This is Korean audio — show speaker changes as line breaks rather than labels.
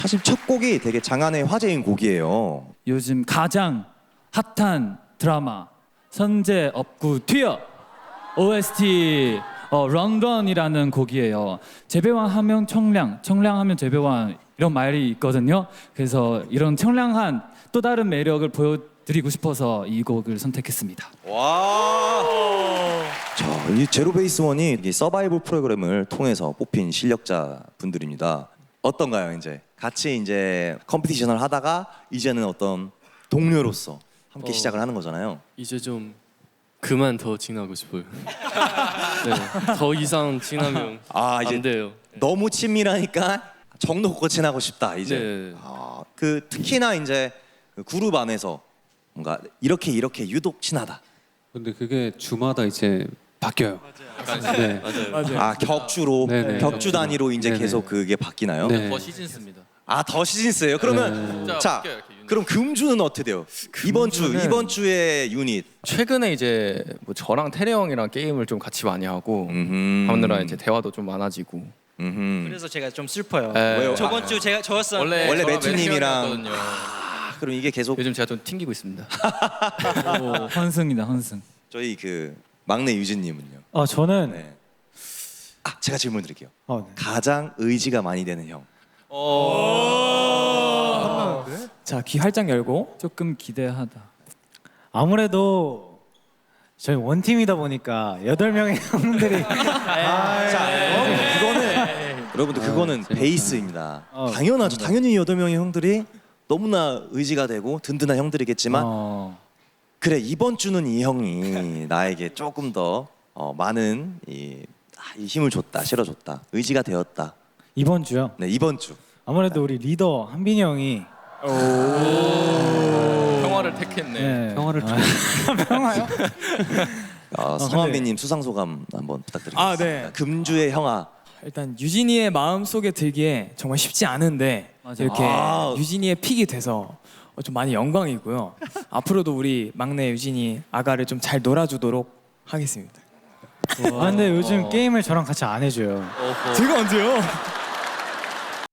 사실 첫 곡이 되게 장안의 화제인 곡이에요.
요즘 가장 핫한 드라마 선제 업구 튀어 OST 런던이라는 곡이에요. 재배왕 하면 청량, 청량하면 재배왕 이런 말이 있거든요. 그래서 이런 청량한 또 다른 매력을 보여드리고 싶어서 이 곡을 선택했습니다.
와. 자, 이 제로베이스원이 이 서바이벌 프로그램을 통해서 뽑힌 실력자 분들입니다. 어떤가요, 이제? 같이 이제 컴피티션을 하다가 이제는 어떤 동료로서 함께 시작을 하는 거잖아요.
이제 좀 그만 더 지나고 싶어요. 네, 더 이상 지나면
이제
안 돼요.
너무 친밀하니까 정도 걷고 지나고 싶다 이제.
네.
그 특히나 이제 그 그룹 안에서 뭔가 이렇게 유독 친하다.
근데 그게 주마다 이제 바뀌어요. 네.
맞아요.
격주로
네네,
격주
격주로.
단위로 이제
네네.
계속 그게 바뀌나요?
네.
더 시즌스입니다.
더 시즌스예요. 그러면
네.
자,
바뀌어요, 이렇게 유닛.
그럼 금주는 어떻게 돼요? 이번 주의 유닛.
최근에 이제 뭐 저랑 태래 형이랑 게임을 좀 같이 많이 하고 하느라 이제 대화도 좀 많아지고.
그래서 제가 좀 슬퍼요.
왜요?
저번 주 제가 저였었는데
원래
저랑
매튜님이랑
매튜님이었거든요.
그럼 이게 계속
요즘 제가 좀 튕기고 있습니다.
오, 헌승이다 헌승.
저희 그 막내 유진님은요.
저는
네. 제가 질문 드릴게요.
네.
가장 의지가 많이 되는 형.
자, 귀 활짝 열고
조금 기대하다.
아무래도 저희 원팀이다 보니까 8명의 형들이
여러분들 그거는
재밌다.
베이스입니다. 당연하죠. 당연히 8명의 형들이 너무나 의지가 되고 든든한 형들이겠지만 그래 이번 주는 이 형이 나에게 조금 더 많은 이 힘을 줬다, 실어줬다, 의지가 되었다.
이번 주요.
네 이번 주.
아무래도 우리 리더 한빈이 형이
평화를 택했네.
평화를 평화요?
성한빈님 수상 소감 한번 부탁드리겠습니다.
네.
금주의 형아.
일단 유진이의 마음 속에 들기에 정말 쉽지 않은데
맞아.
이렇게 유진이의 픽이 돼서 좀 많이 영광이고요. 앞으로도 우리 막내 유진이 아가를 좀 잘 놀아주도록 하겠습니다.
근데 요즘 게임을 저랑 같이 안 해줘요.
제가 언제요?